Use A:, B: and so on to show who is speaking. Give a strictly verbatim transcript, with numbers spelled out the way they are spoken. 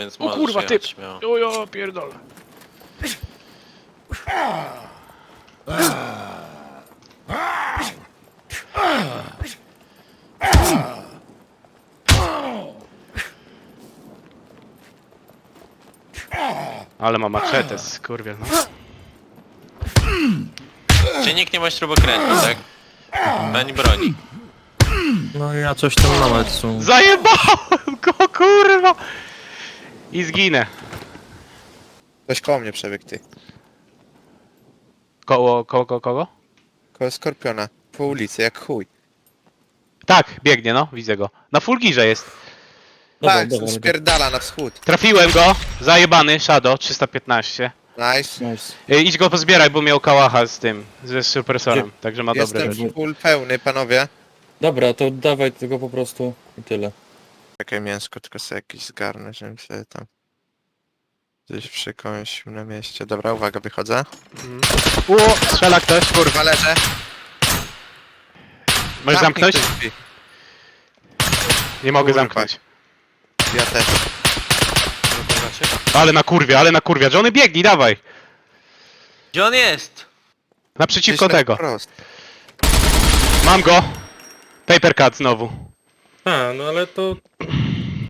A: Więc
B: O
A: możesz
B: kurwa, typ!
A: jechać śmiało.
B: O ja pierdolę.
C: Ale ma maczetę, skurwiel, no.
A: Czy nikt nie ma śrubokrętu, tak? Ani broni.
D: No ja coś tam mam, ale to są...
C: Zajebałem go, kurwa! I zginę.
E: Ktoś koło mnie przebiegł, ty.
C: Koło, koło, koło, kogo?
E: Koło Skorpiona. Po ulicy, jak chuj.
C: Tak, biegnie, no, widzę go. Na fulgirze jest.
D: Dobra,
E: tak,
D: dobra,
E: spierdala na wschód.
C: Trafiłem go, zajebany, Shadow, trzysta piętnaście.
E: Nice.
D: Nice.
C: Y, idź go pozbieraj, bo miał kałacha z tym, ze suppressorem, także ma dobre
E: Jestem
C: rzeczy.
E: full pełny, panowie.
D: Dobra, to dawaj tego po prostu i tyle.
E: Czekaj, mięsko tylko sobie jakieś zgarnę, żebym sobie tam... Gdzieś przykąsił na mieście. Dobra, uwaga, wychodzę.
C: O, strzela ktoś.
E: Kurwa, leżę.
C: Możesz
E: Zamknij
C: zamknąć?
E: te drzwi.
C: Nie mogę
E: Kurwa.
C: zamknąć.
E: Ja też.
C: Ale na kurwie, ale na kurwie. Johnny, biegnij, dawaj.
A: Gdzie on jest?
C: Naprzeciwko
E: Gdzieś tak
C: tego.
E: prosto.
C: Mam go. Paper cut znowu.
D: A, no ale to